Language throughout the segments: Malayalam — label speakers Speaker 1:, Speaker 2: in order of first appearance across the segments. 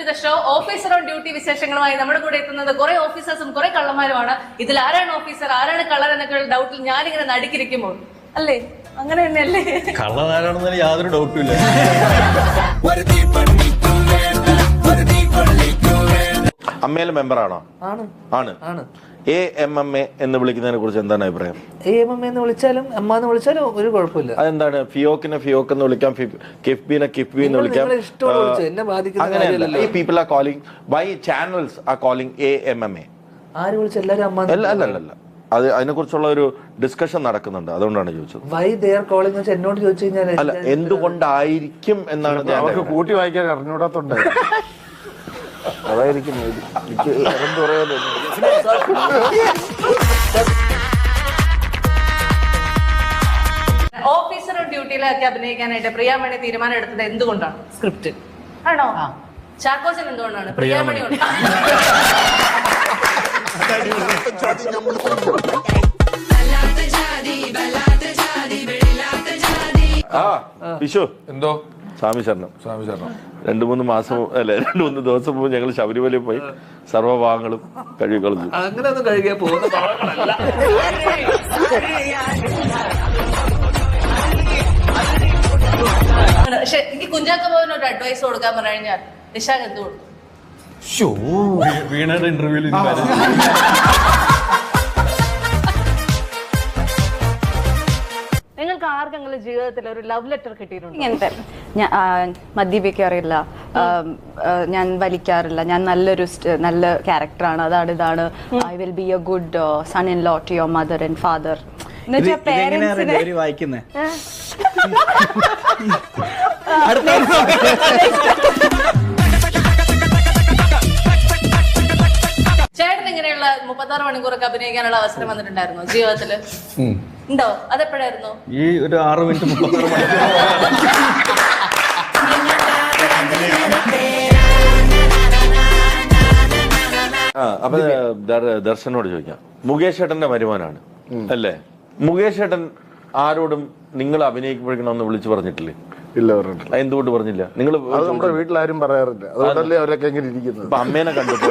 Speaker 1: To the show. Officer on duty വിശേഷങ്ങളുമായി നമ്മുടെ കൂടെ എത്തുന്നത് കുറെ ഓഫീസേഴ്സും കുറെ കള്ളന്മാരുമാണ്. ഇതിൽ ആരാണ് ഓഫീസർ ആരാണ് കള്ളൻ എന്നൊക്കെ ഡൗട്ടിൽ ഞാനിങ്ങനെ നടുക്കിരിക്കുമ്പോൾ അല്ലേ, അങ്ങനെ തന്നെയല്ലേ?
Speaker 2: കള്ളനാരാണെന്നതിന് യാതൊരു ഡൗട്ടും ഇല്ല.
Speaker 3: അമ്മയിലെ മെമ്പറാണോ? ആണ്. AMMA എന്ന് വിളിക്കുന്നതിനെ കുറിച്ച് എന്താണ് അഭിപ്രായം?
Speaker 4: AMMA എന്ന് വിളിച്ചാലും അമ്മ എന്ന് വിളിച്ചാലും ഒരു കുഴപ്പമില്ല.
Speaker 3: അതെന്താണ്? ഫിയോക്കിനെ ഫിയോക്ക് എന്ന് വിളിക്കാം, കിഫ്ബിനെ കിഫ്ബി എന്ന് വിളിക്കാം. ഈ people are calling, why channels are calling AMMA?
Speaker 4: ആര് വിളിച്ച എല്ലാരും അമ്മ?
Speaker 3: അല്ല, അത് അതിനെ കുറിച്ചുള്ള ഒരു ഡിസ്കഷൻ നടക്കുന്നുണ്ട്, അതുകൊണ്ടാണ് ചോദിച്ചത്.
Speaker 4: വൈ ദേ ആർ കോളിംഗ് എന്ന് എന്നോട് ചോദിച്ചു കഴിഞ്ഞാൽ
Speaker 3: അല്ല, എന്തുകൊണ്ടായിരിക്കും എന്നാണ്
Speaker 5: അവർക്ക് കൂട്ടി വായിക്കാൻ അറിഞ്ഞൂടാത്തോണ്ട് അതായിരിക്കും.
Speaker 1: ഓഫീസർ ഓൺ ഡ്യൂട്ടിയിലൊക്കെ അഭിനയിക്കാനായിട്ട് പ്രിയാമണി തീരുമാനം എടുത്തത് എന്തുകൊണ്ടാണ്? സ്ക്രിപ്റ്റ് ആണോ? ചാക്കോച്ചൻ എന്തുകൊണ്ടാണ്? പ്രിയാമണി
Speaker 3: വിഷു
Speaker 2: എന്തോ
Speaker 3: സ്വാമി ശരണം 2-3 മാസം അല്ലെ 2-3 ദിവസം മുമ്പ് ഞങ്ങൾ ശബരിമലയിൽ പോയി സർവ്വഭാഗങ്ങളും കഴുകിക്കളഞ്ഞു.
Speaker 4: അങ്ങനെ ഒന്നും കഴുകിയാൽ പോകുന്ന ഭാഗങ്ങളല്ല.
Speaker 1: പക്ഷെ എനിക്ക് കുഞ്ചാക്കോ ബോബന് ഒരു അഡ്വൈസ് കൊടുക്കാൻ പറഞ്ഞു കഴിഞ്ഞാൽ നിഷാഖ് എന്ത് കൊടുക്കും?
Speaker 2: വീണയുടെ ഇന്റർവ്യൂവിൽ
Speaker 1: നിങ്ങൾക്ക് ആർക്കെങ്കിലും ജീവിതത്തിൽ ഒരു ലവ് ലെറ്റർ കിട്ടിയിട്ടുണ്ടോ?
Speaker 6: ഇങ്ങനത്തെ ഞാൻ മദ്യപിക്കാറില്ല, ഞാൻ വലിക്കാറില്ല, ഞാൻ നല്ല ക്യാരക്ടറാണ്, അതാണ് ഇതാണ്, I will be a good son in law to your mother and father.
Speaker 1: ചേട്ടൻ ഇങ്ങനെയുള്ള 36 മണിക്കൂറൊക്കെ അഭിനയിക്കാനുള്ള അവസരം വന്നിട്ടുണ്ടായിരുന്നോ ജീവിതത്തില്? ഉണ്ടോ? അതെപ്പോഴായിരുന്നു?
Speaker 2: ഈ ഒരു 6 മിനിറ്റ് 36 മണിക്കൂർ.
Speaker 3: അപ്പൊ ദർശനോട് ചോദിക്കാം. മുകേഷ് ഏട്ടന്റെ വരുമാനാണ് അല്ലേ? മുകേഷ് ഏട്ടൻ ആരോടും നിങ്ങൾ അഭിനയിക്കണമെന്ന് വിളിച്ചു പറഞ്ഞിട്ടില്ലേ?
Speaker 5: ഇല്ല, പറഞ്ഞിട്ടില്ല.
Speaker 3: എന്തുകൊണ്ട് പറഞ്ഞില്ല? നിങ്ങൾ
Speaker 5: നമ്മുടെ വീട്ടിലാരും പറയാറില്ല, അതുകൊണ്ടല്ലേ അവരൊക്കെ എങ്ങനെ ഇരിക്കുന്നത്.
Speaker 3: ഇപ്പൊ അമ്മേനെ കണ്ടപ്പോ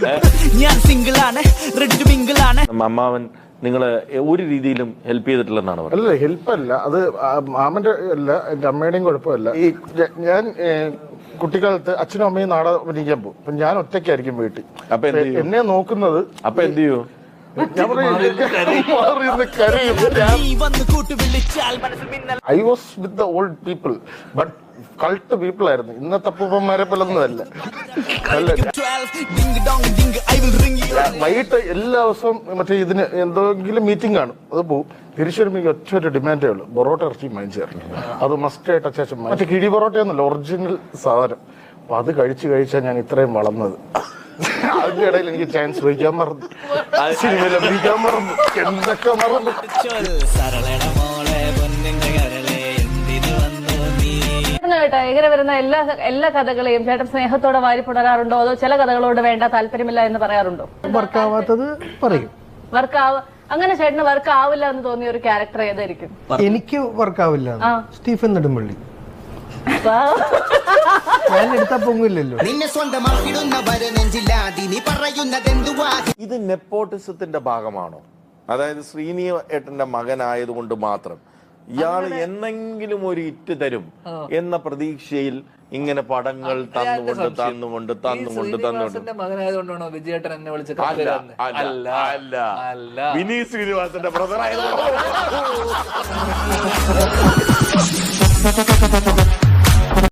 Speaker 3: അമ്മാവൻ നിങ്ങള് ഒരു രീതിയിലും ഹെൽപ്പ് ചെയ്തിട്ടില്ലെന്നാണ് പറഞ്ഞത്.
Speaker 5: അല്ല, ഹെൽപ്പല്ല, അത് മാമന്റെ അല്ല, എന്റെ അമ്മയുടെയും കുഴപ്പമില്ല. ഈ ഞാൻ കുട്ടിക്കാലത്ത് അച്ഛനും അമ്മയും നാടകം അഭിനയിക്കാൻ പോകും. അപ്പൊ ഞാൻ ഒറ്റയ്ക്കായിരിക്കും വീട്ടിൽ.
Speaker 3: അപ്പൊ
Speaker 5: എന്നെ നോക്കുന്നത്.
Speaker 3: അപ്പൊ എന്ത് ചെയ്യൂ?
Speaker 5: I was with the old people, but cult people ആയിരുന്നു. ഇന്നത്തെ അപ്പൂപ്പന്മാരെ പോലൊന്നുമല്ല. വൈകിട്ട് എല്ലാ ദിവസവും മറ്റേ ഇതിന് എന്തെങ്കിലും മീറ്റിംഗ് കാണും, അത് പോകും. തിരിച്ചു വരുമ്പോൾ ഒറ്റ ഒരു ഡിമാൻഡേ ഉള്ളൂ, പൊറോട്ട ഇറച്ചി വാങ്ങിച്ചു. അത് മസ്റ്റ് ആയിട്ട് അത്യാവശ്യം. മറ്റേ കിഴി പൊറോട്ടയൊന്നുമല്ല, ഒറിജിനൽ സാധനം. അപ്പൊ അത് കഴിച്ചാൽ ഞാൻ ഇത്രയും വളർന്നത്. അതിന്റെ ഇടയിൽ എനിക്ക് ചാൻസ് വഹിക്കാൻ മറന്നു, സിനിമയിൽ അഭിനയിക്കാൻ മറന്നു, എന്തൊക്കെ മറന്നു.
Speaker 1: ഇങ്ങനെ വരുന്ന എല്ലാ കഥകളെയും ചേട്ടൻ സ്നേഹത്തോടെ വാരി പുണരാറുണ്ടോ, അതോ ചില കഥകളോട് വേണ്ട താല്പര്യമില്ല എന്ന് പറയാറുണ്ടോ?
Speaker 4: വർക്കാവാത്തത് പറയും.
Speaker 1: അങ്ങനെ ചേട്ടന് വർക്ക് ആവില്ല എന്ന് തോന്നിയ ഒരു ക്യാരക്ടർ ഏതായിരിക്കും?
Speaker 4: എനിക്ക് വർക്കാവില്ല. സ്റ്റീഫൻ നെടുമ്പള്ളി. ഞാൻ എടുത്താ പൊങ്ങില്ലല്ലോ.
Speaker 3: ഇത് നെപ്പോട്ടിസത്തിന്റെ ഭാഗമാണോ? അതായത് ശ്രീനി ഏട്ടന്റെ മകനായതുകൊണ്ട് മാത്രം ഇയാൾ എന്നെങ്കിലും ഒരു ഇറ്റ് തരും എന്ന പ്രതീക്ഷയിൽ ഇങ്ങനെ പടങ്ങൾ തന്നുകൊണ്ട്
Speaker 4: മകനായതുകൊണ്ടാണോ വിജയേട്ടൻ എന്നെ വിളിച്ചത്?
Speaker 3: അല്ല, വിനീത് ശ്രീനിവാസന്റെ ബ്രദർ ആയതുകൊണ്ടാണ്.